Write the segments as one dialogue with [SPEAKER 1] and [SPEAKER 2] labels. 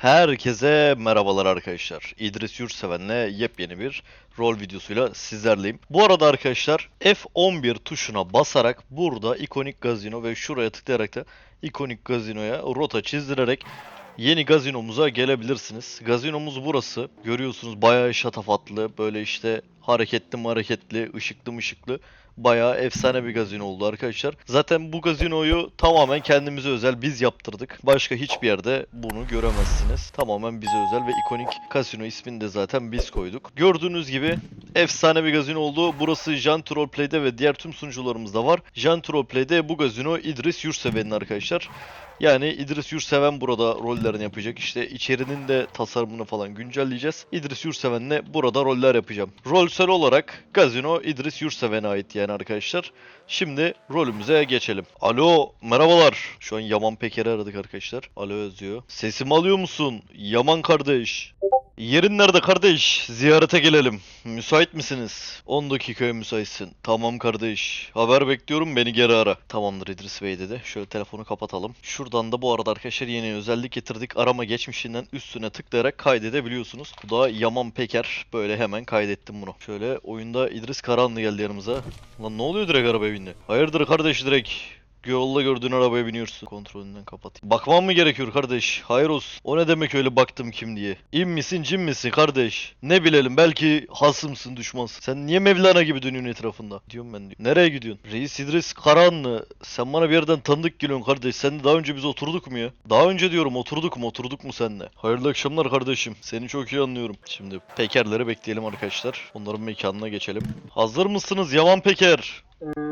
[SPEAKER 1] Herkese merhabalar arkadaşlar. İdris Yurtseven'le yepyeni bir rol videosuyla sizlerleyim. Bu arada arkadaşlar F11 tuşuna basarak burada ikonik gazino ve şuraya tıklayarak da ikonik gazinoya rota çizdirerek yeni gazinomuza gelebilirsiniz. Gazinomuz burası. Görüyorsunuz bayağı şatafatlı, böyle işte hareketli, ışıklı. Bayağı efsane bir gazino oldu arkadaşlar. Zaten bu gazinoyu tamamen kendimize özel biz yaptırdık. Başka hiçbir yerde bunu göremezsiniz. Tamamen bize özel ve ikonik kasino ismini de zaten biz koyduk. Gördüğünüz gibi efsane bir gazino oldu. Burası Janti Roleplay'de ve diğer tüm sunucularımızda var. Janti Roleplay'de bu gazino İdris Yurtseven'in arkadaşlar. Yani İdris Yurtseven burada rollerini yapacak. İşte içerinin de tasarımını falan güncelleyeceğiz. İdris Yurtseven'le burada roller yapacağım. Rolsel olarak gazino İdris Yurtseven'e ait yani arkadaşlar. Şimdi rolümüze geçelim. Alo, merhabalar. Şu an Yaman Peker'i aradık arkadaşlar. Alo yazıyor. Sesimi alıyor musun? Yaman kardeş. Yerin nerede kardeş? Ziyarete gelelim. Müsait misiniz? 10 dakikaya müsaitsin. Tamam kardeş. Haber bekliyorum, beni geri ara. Tamamdır İdris Bey dedi. Şöyle telefonu kapatalım. Şuradan da bu arada arkadaşlar yeni özellik getirdik. Arama geçmişinden üstüne tıklayarak kaydedebiliyorsunuz. Bu da Yaman Peker. Böyle hemen kaydettim bunu. Şöyle oyunda İdris Karahanlı geldi yanımıza. Lan ne oluyor, direkt arabaya bindi? Hayırdır kardeş, direkt yolda gördüğün arabaya biniyorsun. Kontrolünden kapatayım. Bakmam mı gerekiyor kardeş? Hayır olsun. O ne demek öyle baktım kim diye? İn misin cin misin kardeş? Ne bilelim, belki hasımsın düşmansın. Sen niye Mevlana gibi dönüyorsun etrafında? Diyorum ben diyor. Nereye gidiyorsun? Reis İdris Karahanlı. Sen bana bir yerden tanıdık geliyorsun kardeş. Sen de daha önce biz oturduk mu ya? Daha önce diyorum oturduk mu seninle? Hayırlı akşamlar kardeşim. Seni çok iyi anlıyorum. Şimdi Pekerleri bekleyelim arkadaşlar. Onların mekanına geçelim. Hazır mısınız Yaman Peker?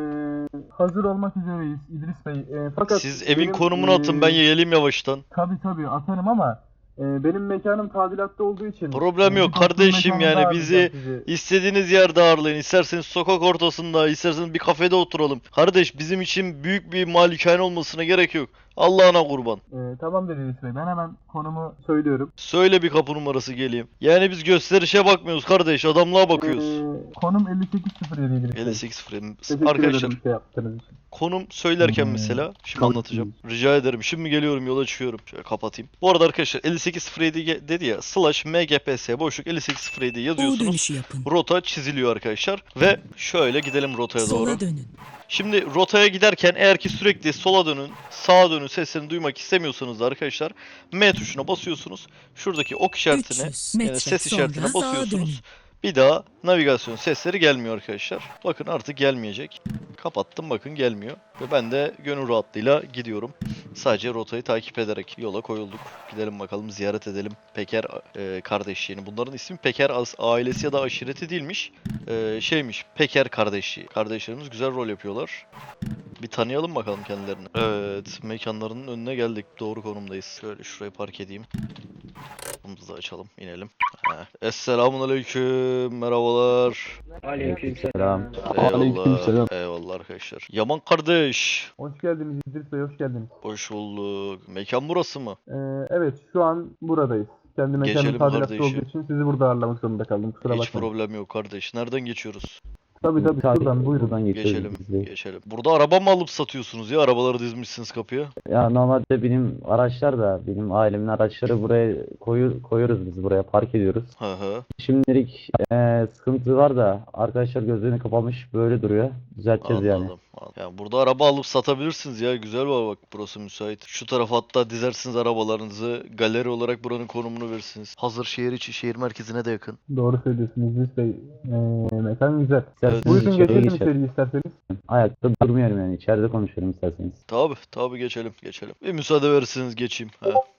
[SPEAKER 2] Hazır olmak üzereyiz İdris Bey. Fakat
[SPEAKER 1] Siz evin
[SPEAKER 2] benim,
[SPEAKER 1] konumunu atın, ben geleyim yavaştan.
[SPEAKER 2] tabii atarım ama benim mekanım tadilatta olduğu için
[SPEAKER 1] Problem yok
[SPEAKER 2] bir baktım
[SPEAKER 1] kardeşim,
[SPEAKER 2] mekanımda
[SPEAKER 1] yani
[SPEAKER 2] ağırlayacağım
[SPEAKER 1] bizi
[SPEAKER 2] sizi.
[SPEAKER 1] istediğiniz yerde ağırlayın. İsterseniz sokak ortasında, isterseniz bir kafede oturalım. Kardeş, bizim için büyük bir malikane olmasına gerek yok. Allah'ına kurban.
[SPEAKER 2] Tamamdır İdris Bey. Ben hemen konumu söylüyorum.
[SPEAKER 1] Söyle bir kapı numarası, geleyim. Yani biz gösterişe bakmıyoruz kardeş, adamlığa bakıyoruz.
[SPEAKER 2] Konum 5807 İdris Bey.
[SPEAKER 1] 58 frame.
[SPEAKER 2] Teşekkür
[SPEAKER 1] Arkadaşlar,
[SPEAKER 2] ederim şey yaptığınız için.
[SPEAKER 1] konum söylerken mesela şimdi
[SPEAKER 2] tabii
[SPEAKER 1] anlatacağım. Rica ederim. Şimdi geliyorum, yola çıkıyorum. Şöyle kapatayım. Bu arada arkadaşlar 5807 dedi ya, slash mgps boşluk 5807
[SPEAKER 3] U
[SPEAKER 1] yazıyorsunuz.
[SPEAKER 3] dönüşü yapın.
[SPEAKER 1] Rota çiziliyor arkadaşlar. Ve şöyle gidelim rotaya doğru.
[SPEAKER 3] Sola dönün.
[SPEAKER 1] Şimdi rotaya giderken eğer ki sürekli sola dönün, sağa dönün seslerini duymak istemiyorsanız da arkadaşlar M tuşuna basıyorsunuz. Şuradaki ok işaretine,
[SPEAKER 3] 300 metre
[SPEAKER 1] ses işaretine
[SPEAKER 3] sonra sağa
[SPEAKER 1] basıyorsunuz. Bir daha navigasyon sesleri gelmiyor arkadaşlar. Bakın artık gelmeyecek. Kapattım, bakın gelmiyor. Ve ben de gönül rahatlığıyla gidiyorum. Sadece rotayı takip ederek yola koyulduk. Gidelim bakalım, ziyaret edelim Peker kardeşliğini. Bunların ismi Peker ailesi ya da aşireti değilmiş. Şeymiş, Peker kardeşliği. Kardeşlerimiz güzel rol yapıyorlar. Bir tanıyalım bakalım kendilerini. Evet, mekanlarının önüne geldik. Doğru konumdayız. Şöyle şurayı park edeyim. Kapımızı da açalım, inelim. Esselamun aleyküm, merhabalar.
[SPEAKER 4] Aleykümselam.
[SPEAKER 1] Eyvallah. Eyvallah arkadaşlar. Yaman kardeş.
[SPEAKER 2] Hoş geldiniz İdris Bey, hoş geldiniz.
[SPEAKER 1] Hoş bulduk. Mekan burası mı?
[SPEAKER 2] Evet, şu an buradayız. Kendi mekanım
[SPEAKER 1] Geçelim
[SPEAKER 2] tadilatta
[SPEAKER 1] kardeşim.
[SPEAKER 2] olduğu için sizi burada ağırlamak zorunda kaldım. Kusura
[SPEAKER 1] Hiç
[SPEAKER 2] bakmayın.
[SPEAKER 1] problem yok kardeş. Nereden geçiyoruz?
[SPEAKER 2] Tabii şuradan buyurun.
[SPEAKER 4] Buradan
[SPEAKER 1] Geçelim.
[SPEAKER 4] biz de.
[SPEAKER 1] Geçelim. Burada araba mı alıp satıyorsunuz ya? Arabaları dizmişsiniz kapıya.
[SPEAKER 4] Ya normalde benim araçlar da benim ailemin araçları buraya koyuyoruz biz buraya park ediyoruz.
[SPEAKER 1] Hı hı.
[SPEAKER 4] Şimdilik sıkıntı var da arkadaşlar gözlerini kapamış böyle duruyor. Düzelteceğiz yani.
[SPEAKER 1] Anladım. Yani burada araba alıp satabilirsiniz ya. Güzel var bak, burası müsait. Şu tarafa hatta dizersiniz arabalarınızı. Galeri olarak buranın konumunu verirsiniz. Hazır şehir içi, şehir merkezine de yakın.
[SPEAKER 2] Doğru söylüyorsunuz İdris Bey. Mekan güzel.
[SPEAKER 4] İsterseniz
[SPEAKER 2] Buyurun
[SPEAKER 4] içeriye
[SPEAKER 2] geçelim
[SPEAKER 4] geçelim.
[SPEAKER 2] içeri isterseniz.
[SPEAKER 4] Ayakta durmuyorum yani içeride konuşuyorum isterseniz.
[SPEAKER 1] Tabi geçelim. Bir müsaade verirseniz geçeyim.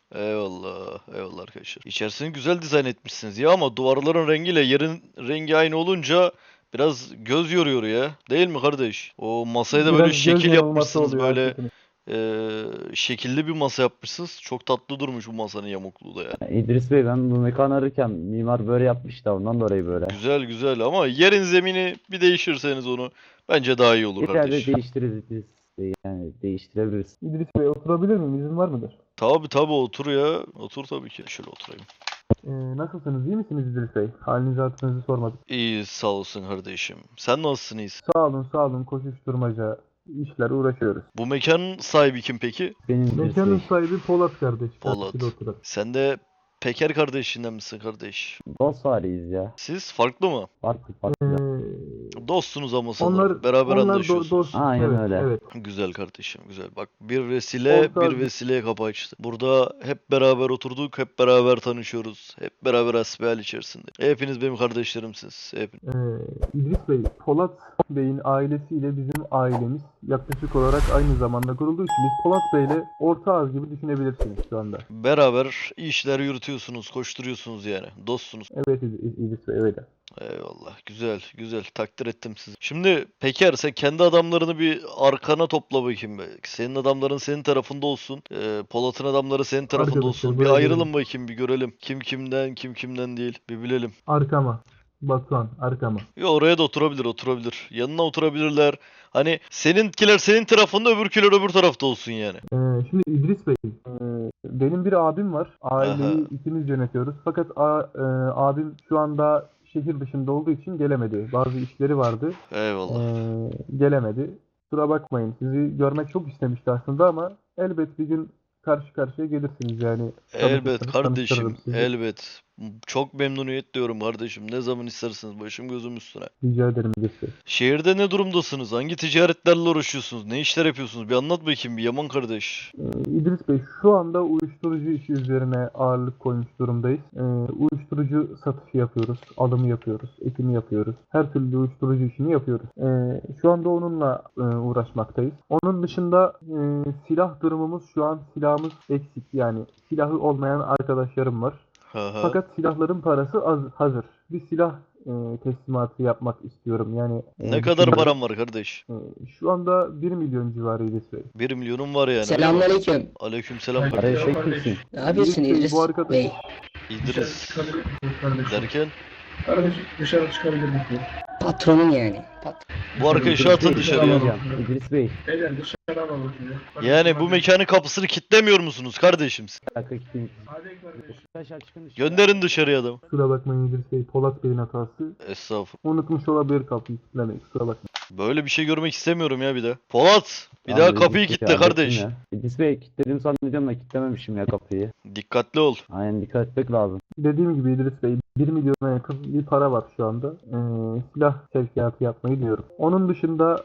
[SPEAKER 1] Eyvallah arkadaşlar. İçerisini güzel dizayn etmişsiniz ya, ama duvarların rengiyle yerin rengi aynı olunca biraz göz yoruyor ya. Değil mi kardeş? O masaya da böyle
[SPEAKER 2] Biraz göz
[SPEAKER 1] şekil
[SPEAKER 2] yanılması
[SPEAKER 1] yapmışsınız,
[SPEAKER 2] oluyor,
[SPEAKER 1] böyle
[SPEAKER 2] haklısınız.
[SPEAKER 1] şekilli bir masa yapmışsınız. Çok tatlı durmuş bu masanın yamukluğu da ya.
[SPEAKER 4] İdris Bey ben bu mekanı ararken mimar böyle yapmış da ondan dolayı böyle.
[SPEAKER 1] Güzel ama yerin zemini bir değişirseniz onu bence daha iyi olur
[SPEAKER 4] İleride
[SPEAKER 1] kardeş.
[SPEAKER 4] değiştiririz İdris Bey yani değiştirebiliriz.
[SPEAKER 2] İdris Bey oturabilir miyim? İzin var mıdır?
[SPEAKER 1] Tabi otur ya. Otur tabii ki. Şöyle oturayım.
[SPEAKER 2] Nasılsınız? İyi misiniz İdris Bey? Halinizi hatırınızı sormadık.
[SPEAKER 1] İyi, sağ olsun kardeşim. Sen nasılsın, iyisin?
[SPEAKER 2] Sağ olun. Koşuşturmaca, işlerle uğraşıyoruz.
[SPEAKER 1] Bu mekanın sahibi kim peki?
[SPEAKER 4] Benim İdris
[SPEAKER 2] Mekanın
[SPEAKER 4] Bey.
[SPEAKER 2] sahibi Polat kardeş.
[SPEAKER 1] Polat.
[SPEAKER 2] Karşıda oturan.
[SPEAKER 1] Sen de Peker kardeşinden misin kardeş?
[SPEAKER 4] Dost haliyiz ya.
[SPEAKER 1] Siz farklı mı?
[SPEAKER 4] Farklı
[SPEAKER 2] Ee,
[SPEAKER 4] farklı.
[SPEAKER 1] Dostsunuz ama sanırım.
[SPEAKER 2] onlar
[SPEAKER 1] Beraber
[SPEAKER 2] onlar
[SPEAKER 1] anlaşıyorsunuz.
[SPEAKER 2] dost.
[SPEAKER 4] Aynen
[SPEAKER 2] Evet,
[SPEAKER 4] öyle.
[SPEAKER 2] evet.
[SPEAKER 1] Güzel kardeşim, güzel. Bak bir vesile
[SPEAKER 2] Orta
[SPEAKER 1] bir vesileye kapı açtı. Burada hep beraber oturduk, hep beraber tanışıyoruz. Hep beraber hasbihal içerisinde. Hepiniz benim kardeşlerimsiniz.
[SPEAKER 2] İdris Bey, Polat Bey'in ailesiyle bizim ailemiz yaklaşık olarak aynı zamanda kurulduğu için biz Polat Bey'le orta ağız gibi düşünebilirsiniz şu anda.
[SPEAKER 1] Beraber işler yürütüyorsunuz, koşturuyorsunuz yani. Dostsunuz.
[SPEAKER 2] Evet İdris Bey öyle.
[SPEAKER 1] Eyvallah. Güzel, güzel. Takdir ettim sizi. Şimdi Peker sen kendi adamlarını bir arkana topla bakayım be. Senin adamların senin tarafında olsun. Polat'ın adamları senin tarafında
[SPEAKER 2] Arkadaşlar,
[SPEAKER 1] olsun. Bir
[SPEAKER 2] buraya
[SPEAKER 1] ayrılın
[SPEAKER 2] gelin.
[SPEAKER 1] bakayım, bir görelim. Kim kimden, kim kimden değil. Bir bilelim.
[SPEAKER 2] Arkama. Batuhan arkama.
[SPEAKER 1] Ya oraya da oturabilir, oturabilir. Yanına oturabilirler. Hani seninkiler senin tarafında, öbürküler öbür tarafta olsun yani.
[SPEAKER 2] Şimdi İdris Bey, benim bir abim var. Aileyi
[SPEAKER 1] Aha.
[SPEAKER 2] ikimiz yönetiyoruz. Fakat abim şu anda şehir dışında olduğu için gelemedi. Bazı işleri vardı.
[SPEAKER 1] Eyvallah.
[SPEAKER 2] Gelemedi. Kusura bakmayın. Sizi görmek çok istemişti aslında ama elbet bir gün karşı karşıya gelirsiniz yani.
[SPEAKER 1] Elbet
[SPEAKER 2] Tanışırsanız
[SPEAKER 1] kardeşim,
[SPEAKER 2] tanıştırırım sizi.
[SPEAKER 1] elbet. Çok memnuniyet diyorum kardeşim. Ne zaman isterseniz başım gözüm üstüne.
[SPEAKER 2] Rica ederim İdris Bey.
[SPEAKER 1] Şehirde ne durumdasınız? Hangi ticaretlerle uğraşıyorsunuz? Ne işler yapıyorsunuz? Bir anlat bakayım bir Yaman kardeş.
[SPEAKER 2] İdris Bey, şu anda uyuşturucu işi üzerine ağırlık koymuş durumdayız. Uyuşturucu satışı yapıyoruz, alımı yapıyoruz, ekimi yapıyoruz. Her türlü uyuşturucu işini yapıyoruz. Şu anda onunla uğraşmaktayız. Onun dışında silah durumumuz, şu an silahımız eksik. Yani silahı olmayan arkadaşlarım var.
[SPEAKER 1] Hı hı.
[SPEAKER 2] Fakat silahların parası hazır. Bir silah teslimatı yapmak istiyorum. Yani
[SPEAKER 1] Ne kadar
[SPEAKER 2] düşünüyorum.
[SPEAKER 1] param var kardeş?
[SPEAKER 2] Şu anda 1 milyon civarı İdris Bey.
[SPEAKER 1] 1 milyonum var yani.
[SPEAKER 3] Selamünaleyküm.
[SPEAKER 1] Aleykümselam
[SPEAKER 4] Araya
[SPEAKER 1] kardeşim.
[SPEAKER 4] çekmişsin.
[SPEAKER 3] Ne yapıyorsun
[SPEAKER 2] İdris Bey,
[SPEAKER 3] İdris
[SPEAKER 2] bu arkadaş-
[SPEAKER 3] Bey?
[SPEAKER 1] İdris
[SPEAKER 5] Çıkabilir kardeşim?
[SPEAKER 1] derken
[SPEAKER 5] Kardeş dışarı çıkabilir misin?
[SPEAKER 3] Patronun yani.
[SPEAKER 1] bu arkadaşı atın dışarıya.
[SPEAKER 4] Hocam, İdris Bey.
[SPEAKER 5] Beyler dışarı alalım sizi.
[SPEAKER 1] Yani bu mekanın kapısını kilitlemiyor musunuz kardeşim?
[SPEAKER 4] Bir dakika gideyim.
[SPEAKER 5] Hadi kardeşim.
[SPEAKER 4] Arkadaşlar çıkın dışarı.
[SPEAKER 1] Gönderin dışarıya adamı.
[SPEAKER 2] Kusura bakmayın İdris Bey, Polat Bey'in hatası.
[SPEAKER 1] Estağfurullah.
[SPEAKER 2] Unutmuş olabilir kapıyı kilitlemeyi, kusura bakmayın.
[SPEAKER 1] Böyle bir şey görmek istemiyorum ya bir de. Polat! Bir
[SPEAKER 4] Tamam,
[SPEAKER 1] daha kapıyı
[SPEAKER 4] İdris Bey,
[SPEAKER 1] kilitle
[SPEAKER 4] hallettim
[SPEAKER 1] kardeş.
[SPEAKER 4] ya. İdris Bey kilitledim zannediyorum da kilitlememişim ya kapıyı.
[SPEAKER 1] Dikkatli ol.
[SPEAKER 4] Aynen dikkat etmek lazım.
[SPEAKER 2] Dediğim gibi İdris Bey, 1 milyona yakın bir para var şu anda. Silah sevkiyatı yapmayı diyorum. Onun dışında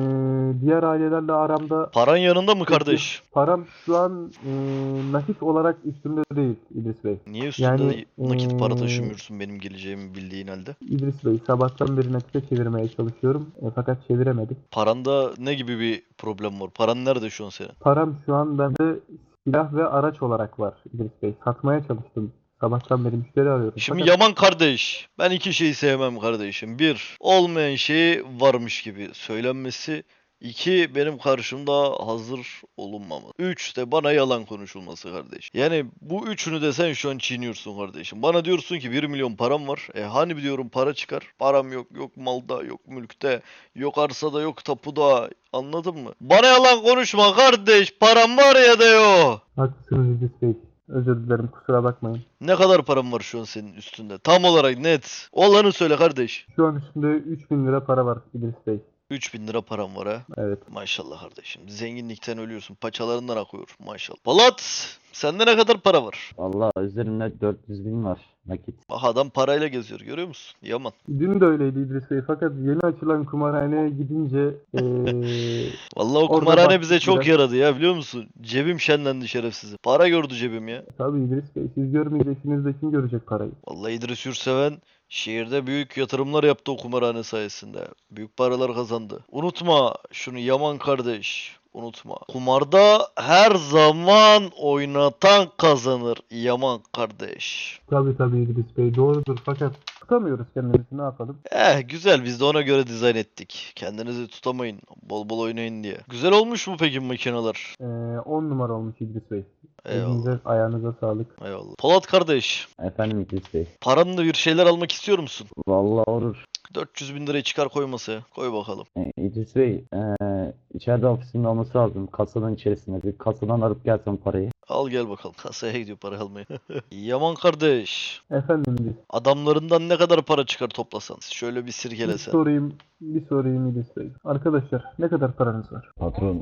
[SPEAKER 2] diğer ailelerle aramda
[SPEAKER 1] Paran yanında mı kardeş?
[SPEAKER 2] param şu an nakit olarak üstümde değil İdris Bey.
[SPEAKER 1] Niye üstünde
[SPEAKER 2] Yani,
[SPEAKER 1] nakit para taşımıyorsun benim geleceğimi bildiğin halde?
[SPEAKER 2] İdris Bey, sabahtan beri nakite çevirmeye çalışıyorum fakat çeviremedik.
[SPEAKER 1] Paranda ne gibi bir problem var? Paran nerede şu an senin?
[SPEAKER 2] Param şu an bende silah ve araç olarak var İdris Bey. Satmaya çalıştım. Sabahtan beri müşteri arıyorum.
[SPEAKER 1] Şimdi
[SPEAKER 2] Fakat
[SPEAKER 1] Yaman kardeş, ben iki şeyi sevmem kardeşim. Bir, olmayan şeyi varmış gibi söylenmesi. İki, benim karşımda hazır olunmaması. Üç de bana yalan konuşulması kardeş. Yani bu üçünü de sen şu an çiğniyorsun kardeşim. Bana diyorsun ki 1 milyon param var. Hani diyorum para çıkar. Param yok. Yok malda, yok mülkte, yok arsada, yok tapuda. Anladın mı? Bana yalan konuşma kardeş. Param var ya da yok.
[SPEAKER 2] haklısınız İdris Bey. Özür dilerim, kusura bakmayın.
[SPEAKER 1] Ne kadar param var şu an senin üstünde? Tam olarak net. Olanı söyle kardeş.
[SPEAKER 2] Şu an üstümde 3000 lira para var İdris Bey.
[SPEAKER 1] 3000 lira param var ha.
[SPEAKER 2] Evet.
[SPEAKER 1] Maşallah kardeşim. Zenginlikten ölüyorsun. Paçalarından akıyor. Maşallah. Polat, sende ne kadar para var?
[SPEAKER 4] Vallahi üzerimde 400 bin var nakit.
[SPEAKER 1] Bak adam parayla geziyor. Görüyor musun? Yaman.
[SPEAKER 2] Dün de öyleydi İdris Bey fakat yeni açılan kumarhaneye gidince
[SPEAKER 1] Vallahi o
[SPEAKER 2] Orada
[SPEAKER 1] kumarhane
[SPEAKER 2] baktık
[SPEAKER 1] bize çok
[SPEAKER 2] biraz.
[SPEAKER 1] yaradı ya biliyor musun? Cebim şenlendi şerefsizim. Para gördü cebim ya.
[SPEAKER 2] tabii İdris Bey, siz görmeyeceksiniz de kim görecek parayı?
[SPEAKER 1] Vallahi İdris Yurtseven şehirde büyük yatırımlar yaptı o kumarhane sayesinde. Büyük paralar kazandı. Unutma şunu Yaman kardeş. Unutma. Kumarda her zaman oynatan kazanır Yaman kardeş.
[SPEAKER 2] Tabii İdris Bey, doğrudur fakat tutamıyoruz kendimizi, ne yapalım?
[SPEAKER 1] Güzel biz de ona göre dizayn ettik. Kendinizi tutamayın. Bol bol oynayın diye. Güzel olmuş mu peki makineler?
[SPEAKER 2] 10 numara olmuş İdris Bey.
[SPEAKER 1] Eyvallah.
[SPEAKER 2] Elinize ayağınıza sağlık.
[SPEAKER 1] Eyvallah. Polat kardeş,
[SPEAKER 4] Efendim İdris Bey.
[SPEAKER 1] paranla bir şeyler almak istiyor musun?
[SPEAKER 4] Vallahi olur.
[SPEAKER 1] 400 bin lirayı çıkar koy masaya. Koy bakalım.
[SPEAKER 4] İdris Bey, içeride ofisimde olması lazım. Kasadan içerisinde. Bir kasadan alıp gelsem parayı.
[SPEAKER 1] Al gel bakalım. Kasaya gidiyor para almaya. Yaman kardeş.
[SPEAKER 2] Efendim İdris,
[SPEAKER 1] Adamlarından ne kadar para çıkar toplasan? Şöyle bir
[SPEAKER 2] bir
[SPEAKER 1] sirkelesen.
[SPEAKER 2] sorayım İdris Bey. Arkadaşlar, ne kadar paranız var?
[SPEAKER 4] Patron,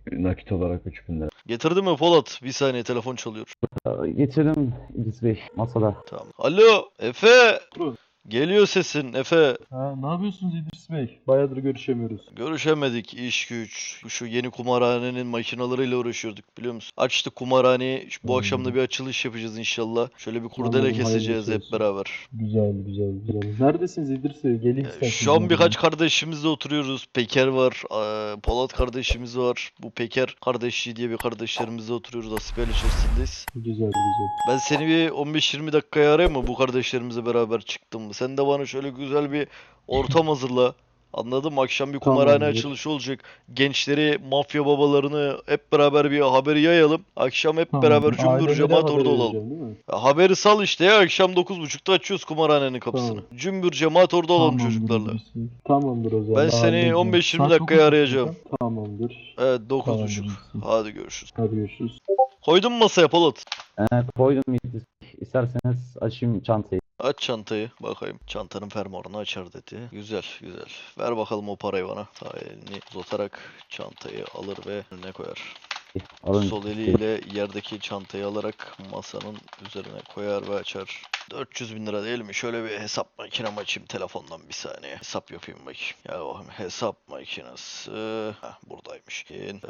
[SPEAKER 3] Nakit olarak 3000 lira.
[SPEAKER 1] Getirdi mi Polat? Bir saniye telefon çalıyor.
[SPEAKER 4] Getirdim İdris Bey masada.
[SPEAKER 1] Tamam. Alo Efe.
[SPEAKER 3] Buyurun.
[SPEAKER 1] Geliyor sesin Efe.
[SPEAKER 3] Ha, ne yapıyorsunuz İdris Bey? Bayağıdır görüşemiyoruz.
[SPEAKER 1] Görüşemedik iş güç. Şu yeni kumarhanenin makinalarıyla uğraşıyorduk biliyor musun? Açtık kumarhaneyi. Bu akşam da bir açılış yapacağız inşallah. Şöyle bir kurdele
[SPEAKER 3] Anladım,
[SPEAKER 1] keseceğiz
[SPEAKER 3] hayırlısı
[SPEAKER 1] hep
[SPEAKER 3] olsun.
[SPEAKER 1] beraber.
[SPEAKER 3] Güzel güzel güzel. Neredesiniz İdris Bey? Geleyim isterseniz.
[SPEAKER 1] Şu an birkaç kardeşimizle oturuyoruz. Peker var, Polat kardeşimiz var. Bu Peker kardeşi diye bir kardeşlerimizle oturuyoruz. Asibel içerisindeyiz.
[SPEAKER 3] Güzel güzel.
[SPEAKER 1] Ben seni bir 15-20 dakikaya arayayım mı? Bu kardeşlerimizle beraber çıktım mı? Sen de bana şöyle güzel bir ortam hazırla. Anladın mı? Akşam bir kumarhane
[SPEAKER 3] Tamamdır.
[SPEAKER 1] açılışı olacak. Gençleri, mafya babalarını hep beraber bir haberi yayalım. Akşam hep
[SPEAKER 3] Tamam.
[SPEAKER 1] beraber cümbür
[SPEAKER 3] Ailelere
[SPEAKER 1] cemaat
[SPEAKER 3] haber
[SPEAKER 1] orada olalım.
[SPEAKER 3] vereceğim, değil mi?
[SPEAKER 1] Ya haberi sal işte ya. Akşam 9.30'da açıyoruz kumarhanenin kapısını.
[SPEAKER 3] Tamam.
[SPEAKER 1] Cümbür cemaat orada olalım
[SPEAKER 3] Tamamdır
[SPEAKER 1] çocuklarla.
[SPEAKER 3] İdris Bey. Tamamdır o zaman.
[SPEAKER 1] Ben seni
[SPEAKER 3] halledeceğim.
[SPEAKER 1] 15-20
[SPEAKER 3] Saat
[SPEAKER 1] dakikaya
[SPEAKER 3] 9.30
[SPEAKER 1] arayacağım.
[SPEAKER 3] hocam. Tamamdır.
[SPEAKER 1] Evet
[SPEAKER 3] Tamamdır
[SPEAKER 1] 9.30.
[SPEAKER 3] İdris Bey.
[SPEAKER 1] Hadi görüşürüz.
[SPEAKER 3] Hadi görüşürüz.
[SPEAKER 1] Koydun mu masaya Polat?
[SPEAKER 4] Koydum İdris Bey. İsterseniz açayım çantayı.
[SPEAKER 1] Aç çantayı bakayım. Çantanın fermuarını açar dedi. Güzel güzel. Ver bakalım o parayı bana. Sağ elini uzatarak çantayı alır ve önüne koyar.
[SPEAKER 4] Alın.
[SPEAKER 1] Sol eliyle yerdeki çantayı alarak masanın üzerine koyar ve açar. 400 bin lira değil mi? Şöyle bir hesap makinem açayım telefondan bir saniye. Hesap yapayım bakayım. Ya bakayım hesap makinesi. Buradaymış.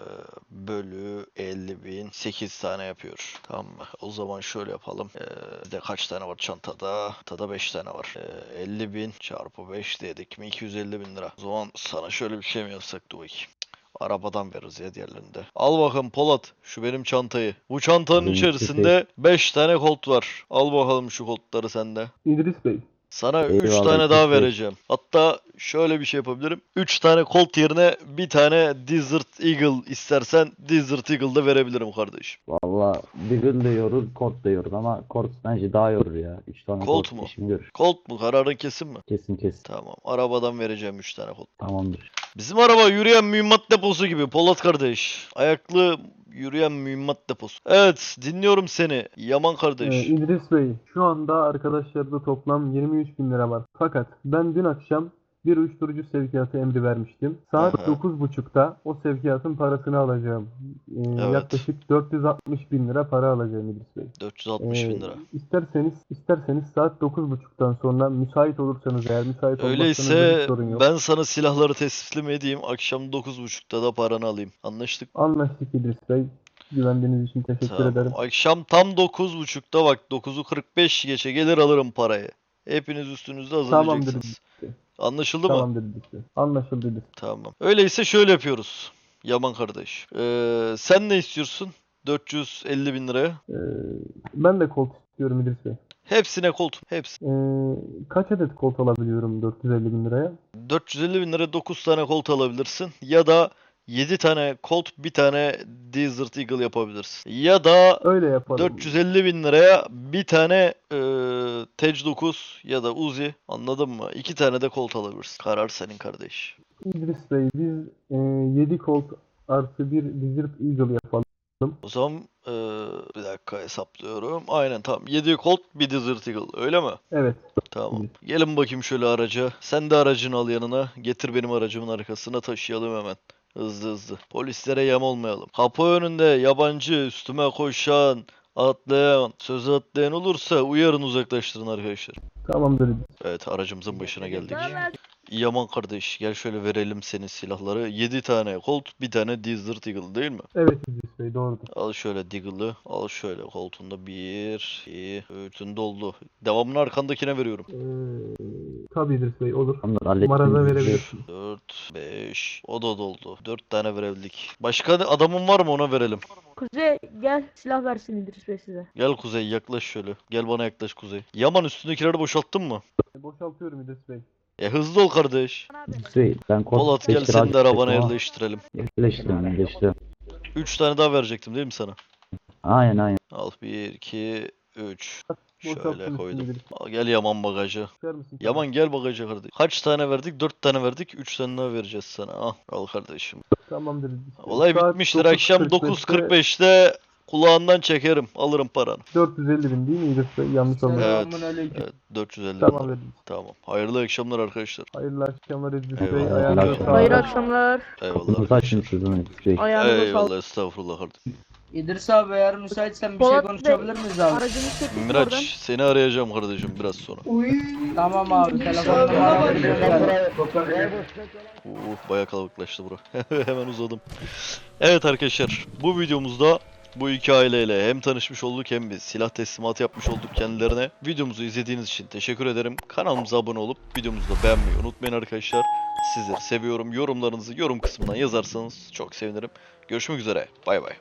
[SPEAKER 1] Bölü 50 bin 8 tane yapıyor. Tamam mı? O zaman şöyle yapalım. Bizde kaç tane var çantada? Çantada 5 tane var. 50 bin çarpı 5 dedik mi? 250 bin lira. O zaman sana şöyle bir şey mi yapsak? Dur bakayım. Arabadan veririz ya diğerlerinde. Al bakalım Polat şu benim çantayı. Bu çantanın
[SPEAKER 4] Benim
[SPEAKER 1] içerisinde 5 tane kolt var. Al bakalım şu koltları sende.
[SPEAKER 2] İdris Bey,
[SPEAKER 1] Sana 3
[SPEAKER 4] Eyvallah,
[SPEAKER 1] tane daha
[SPEAKER 4] İdris Bey.
[SPEAKER 1] vereceğim. Hatta şöyle bir şey yapabilirim. 3 tane Colt yerine bir tane Desert Eagle istersen Desert Eagle da verebilirim kardeşim.
[SPEAKER 4] Valla Deagle de yorur, Colt da yorur ama Colt bence daha yorur ya. 3 tane
[SPEAKER 1] Colt
[SPEAKER 4] Colt
[SPEAKER 1] mu?
[SPEAKER 4] işimi görür.
[SPEAKER 1] Colt mu? Kararın kesin mi?
[SPEAKER 4] Kesin.
[SPEAKER 1] Tamam. Arabadan vereceğim 3 tane Colt.
[SPEAKER 4] Tamamdır.
[SPEAKER 1] Bizim araba yürüyen mühimmat deposu gibi Polat kardeş. Ayaklı yürüyen mühimmat deposu. Evet dinliyorum seni. Yaman kardeş.
[SPEAKER 2] İdris Bey, şu anda arkadaşlarda toplam 23 bin lira var. Fakat ben dün akşam bir uyuşturucu sevkiyatı emri vermiştim. Saat
[SPEAKER 1] Aha.
[SPEAKER 2] 9.30'da o sevkiyatın parasını alacağım.
[SPEAKER 1] Evet.
[SPEAKER 2] Yaklaşık 460 bin lira para alacağım İdris Bey.
[SPEAKER 1] 460 bin lira.
[SPEAKER 2] İsterseniz saat 9.30'dan sonra müsait olursanız eğer müsait olmazsanız da
[SPEAKER 1] Öyleyse
[SPEAKER 2] hiç sorun yok.
[SPEAKER 1] ben sana silahları teslim edeyim. Akşam 9.30'da da paranı alayım. Anlaştık.
[SPEAKER 2] Anlaştık İdris Bey. Güvendiğiniz için teşekkür
[SPEAKER 1] Tamam.
[SPEAKER 2] ederim.
[SPEAKER 1] Akşam tam 9.30'da bak 9'u 45 geçe gelir alırım parayı. Hepiniz üstünüzde hazırlayacaksınız. Anlaşıldı mı?
[SPEAKER 2] Tamamdır İdris Bey. Anlaşıldı İdris Bey.
[SPEAKER 1] Tamam. Öyleyse şöyle yapıyoruz. Yaman kardeş. Sen ne istiyorsun? 450 bin liraya.
[SPEAKER 2] Ben de kolt istiyorum İdris Bey.
[SPEAKER 1] Hepsine koltuğum. Hepsi.
[SPEAKER 2] Kaç adet kolt alabiliyorum 450 bin liraya?
[SPEAKER 1] 450 bin liraya 9 tane kolt alabilirsin. Ya da 7 tane Colt, bir tane Desert Eagle yapabilirsin. Ya da
[SPEAKER 2] Öyle yapalım.
[SPEAKER 1] 450 bin liraya bir tane Tej 9 ya da Uzi, anladın mı? 2 tane de Colt alabilirsin. Karar senin kardeş.
[SPEAKER 2] İdris Bey biz 7 kolt artı bir Desert Eagle yapalım.
[SPEAKER 1] O zaman bir dakika hesaplıyorum. Aynen tamam. 7 Colt, bir Desert Eagle. Öyle mi?
[SPEAKER 2] Evet.
[SPEAKER 1] Tamam. Gelin bakayım şöyle araca. Sen de aracını al yanına. Getir benim aracımın arkasına, taşıyalım hemen. Hızlı hızlı. Polislere yem olmayalım. Kapı önünde yabancı, üstüme koşan, atlayan, söz atlayan olursa uyarın, uzaklaştırın arkadaşlar.
[SPEAKER 2] Tamamdır İdris.
[SPEAKER 1] Evet, aracımızın başına geldik. Yaman kardeş, gel şöyle verelim senin silahları. 7 tane Colt, bir tane Desert Eagle değil mi?
[SPEAKER 2] Evet İdris Bey doğrudur.
[SPEAKER 1] Al şöyle Deagle'ı, al şöyle Colt'unda 1, 2, 3'ün doldu. Devamını arkandakine veriyorum.
[SPEAKER 2] Tabii İdris Bey olur.
[SPEAKER 4] Tamamdır hallettim.
[SPEAKER 2] Numaranı
[SPEAKER 4] İdris Bey.
[SPEAKER 2] verebilirsiniz.
[SPEAKER 1] 4, 5, o da doldu. 4 tane verebildik. Başka adamın var mı, ona verelim.
[SPEAKER 6] Kuzey gel silah versin İdris Bey size.
[SPEAKER 1] Gel Kuzey, yaklaş şöyle. Gel bana yaklaş Kuzey. Yaman, üstündekileri boşalttın mı?
[SPEAKER 2] Boşaltıyorum İdris Bey.
[SPEAKER 1] Hızlı ol kardeş.
[SPEAKER 4] İdris Bey ben Colt
[SPEAKER 1] Polat, gel
[SPEAKER 4] beş
[SPEAKER 1] seni de
[SPEAKER 4] lira
[SPEAKER 1] arabana
[SPEAKER 4] ama
[SPEAKER 1] yerleştirelim.
[SPEAKER 4] yerleştiriyorum.
[SPEAKER 1] 3 tane daha verecektim değil mi sana?
[SPEAKER 4] Aynen.
[SPEAKER 1] Al 1, 2, 3.
[SPEAKER 2] Boşalttım
[SPEAKER 1] Şöyle
[SPEAKER 2] üstünü
[SPEAKER 1] koydum.
[SPEAKER 2] İdris.
[SPEAKER 1] Al, gel Yaman bagaja.
[SPEAKER 2] Çıkar mısın?
[SPEAKER 1] Yaman gel bagaja kardeş. Kaç tane verdik? 4 tane verdik. 3 tane daha vereceğiz sana. Al kardeşim.
[SPEAKER 2] Tamamdır İdris Bey.
[SPEAKER 1] Olay
[SPEAKER 2] Saat
[SPEAKER 1] bitmiştir. Akşam
[SPEAKER 2] 9.45'te
[SPEAKER 1] 9.45'te Kulağından çekerim. Alırım paranı.
[SPEAKER 2] 450 bin değil mi İdris Bey? Yanlış olmasın.
[SPEAKER 1] Evet.
[SPEAKER 3] Selamünaleyküm.
[SPEAKER 1] Evet 450
[SPEAKER 2] Tamam
[SPEAKER 1] lira.
[SPEAKER 2] dedim.
[SPEAKER 1] Tamam. Hayırlı akşamlar arkadaşlar.
[SPEAKER 2] Hayırlı akşamlar İdris
[SPEAKER 1] Eyvallah.
[SPEAKER 2] Bey.
[SPEAKER 1] Hayırlı
[SPEAKER 2] Ayağınıza
[SPEAKER 4] akşamlar.
[SPEAKER 2] sağlık.
[SPEAKER 6] Hayırlı akşamlar.
[SPEAKER 1] Eyvallah
[SPEAKER 4] Kapınızı
[SPEAKER 1] arkadaşlar.
[SPEAKER 4] açın sizin İdris Bey.
[SPEAKER 6] Ayağınıza sağlık.
[SPEAKER 1] Eyvallah estağfurullah kardeşim.
[SPEAKER 3] İdris abi eğer müsaitsen bir şey
[SPEAKER 6] Polat Bey,
[SPEAKER 3] konuşabilir miyiz abi?
[SPEAKER 6] Aracınızı çektik oradan.
[SPEAKER 1] Miraç seni arayacağım kardeşim biraz sonra.
[SPEAKER 3] Tamam abi telefon numaramı gönder.
[SPEAKER 1] Bayağı kalabalıklaştı bura. Hemen uzadım. Evet arkadaşlar bu videomuzda bu iki aileyle hem tanışmış olduk hem bir silah teslimatı yapmış olduk kendilerine. Videomuzu izlediğiniz için teşekkür ederim. Kanalımıza abone olup videomuzu da beğenmeyi unutmayın arkadaşlar. Sizleri seviyorum. Yorumlarınızı yorum kısmından yazarsanız çok sevinirim. Görüşmek üzere. Bay bay.